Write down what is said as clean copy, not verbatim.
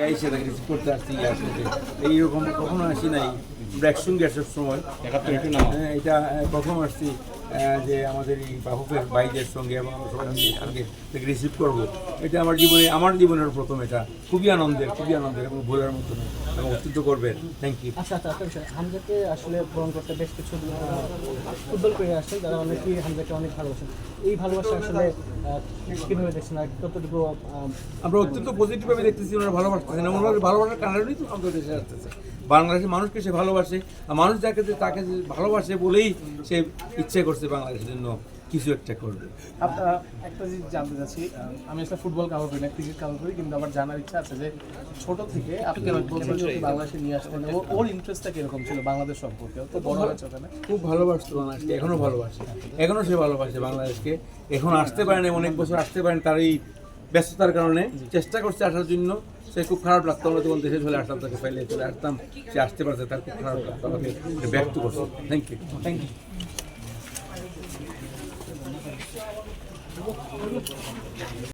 এসে তাকে রিসিভ করতে আসছি আসলে এইরকম কখনো আসি নাই ব্র্যাকসুন গ্যাসের সময় এটা প্রথম আসছি যে আমাদের এই বাহুকের বাইদের সঙ্গে এবং আমরা সবাই সঙ্গে তাকে রিসিভ করবো। এটা আমার জীবনের প্রথম, এটা খুবই আনন্দের এবং ভোলার মতো এবং অত্যন্ত করবেন। Thank you. আচ্ছা একটা বিষয়, হামজাকে আসলে গ্রহণ করতে বেশ কিছু ফুটবল প্লেয়ার আসছেন যারা অনেকেই হামজাকে অনেক ভালোবাসেন। এই ভালোবাসা আসলে কীভাবে দেখছেন আর কতটুকু? আমরা অত্যন্ত পজিটিভভাবে দেখতেছি, ওনারা ভালোবাসতেছেন এবং ওনার ভালোবাসার কারণেই তো আমাদের দেশে আসতেছে। বাংলাদেশের মানুষকে সে ভালোবাসে, আর মানুষ তাকে ভালোবাসে বলেই সে ইচ্ছে করছে বাংলাদেশের জন্য কিছু একটা করবে। আপনারা একটা জিনিস জানতে চাচ্ছি, আমি আসলে ফুটবল কাভার করি না, ক্রিকেট কাভার করি, কিন্তু আমার জানার ইচ্ছা আছে যে ছোট থেকে আপনি বাংলাদেশে নিয়ে আসলেন, ওর ইন্টারেস্টটা কিরকম ছিল বাংলাদেশ সম্পর্কে? তো বড় হয়েছে ওখানে, খুব ভালোবাসতো বাংলাদেশকে, এখনও ভালোবাসে, এখনও সে ভালোবাসে বাংলাদেশকে। এখন আসতে পারেন, অনেক বছর আসতে পারেন, তার এই ব্যস্ততার কারণে চেষ্টা করছে আসার জন্য। সে খুব খারাপ লাগতো, আমরা তখন দেশে চলে আসতাম, তাকে ফেলে চলে আসতাম, সে আসতে পারছে, তার খুব খারাপ লাগতো, আমাকে ব্যক্ত করছে। Thank you.